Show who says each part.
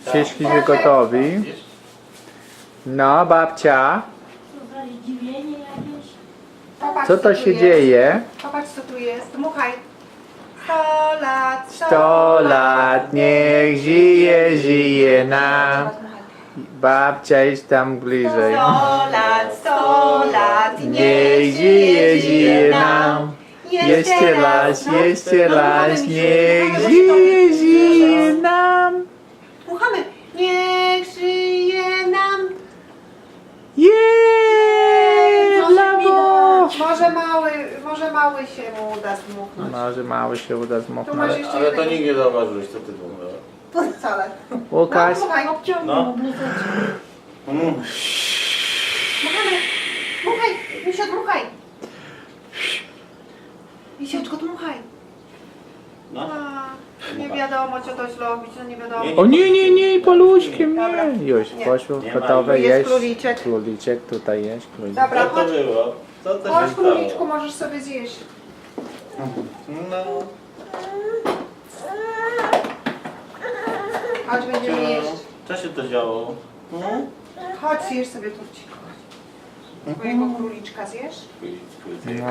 Speaker 1: Cieśliśmy gotowi. No, babcia,
Speaker 2: Zdziwienie jakieś.
Speaker 3: Popatrz,
Speaker 1: co to
Speaker 3: tu
Speaker 1: się
Speaker 3: jest.
Speaker 1: dzieje?
Speaker 3: Popatrz, co tu jest. Dmuchaj. 100 lat,
Speaker 1: 100 lat, niech żyje, żyje nam. Babcia, idź tam bliżej.
Speaker 3: 100 lat,
Speaker 1: Niech żyje, żyje nam. Jeszcze raz, niech żyje, żyje nam.
Speaker 3: Dmuchamy. Niech żyje nam.
Speaker 1: Jeee, brawo!
Speaker 3: Może mały się mu uda zdmuchnąć.
Speaker 1: Może mały się uda
Speaker 3: Tu masz
Speaker 1: zmuchnąć.
Speaker 3: jeszcze
Speaker 4: Ale to
Speaker 3: jednego.
Speaker 4: nikt nie zauważyłeś, co ty dmuchnęła.
Speaker 3: Wcale.
Speaker 1: Łukasz,
Speaker 3: Dmuchaj.
Speaker 2: Obciągnął
Speaker 4: No.
Speaker 2: bluzeczkę.
Speaker 3: Dmuchamy. Dmuchaj. Misio, dmuchaj. Misieczko, dmuchaj.
Speaker 4: No.
Speaker 3: A, nie wiadomo, co to zrobić, no nie wiadomo.
Speaker 4: Nie,
Speaker 1: o nie, paluszkiem,
Speaker 3: Dobra.
Speaker 1: nie. Już,
Speaker 3: Nie.
Speaker 1: poszło,
Speaker 4: Nie ma.
Speaker 1: gotowe,
Speaker 3: Jest
Speaker 1: jeść.
Speaker 3: króliczek.
Speaker 1: Króliczek, tutaj jest króliczek.
Speaker 3: Dobra,
Speaker 4: Co to
Speaker 3: chodź.
Speaker 4: było? Co to
Speaker 3: Chodź,
Speaker 4: się stało?
Speaker 3: króliczku, możesz sobie zjeść.
Speaker 4: No.
Speaker 3: Chodź, będziemy jeść.
Speaker 4: Co się to działo?
Speaker 3: Chodź, zjesz sobie turcik. Twojego króliczka zjesz?
Speaker 4: Spójrz.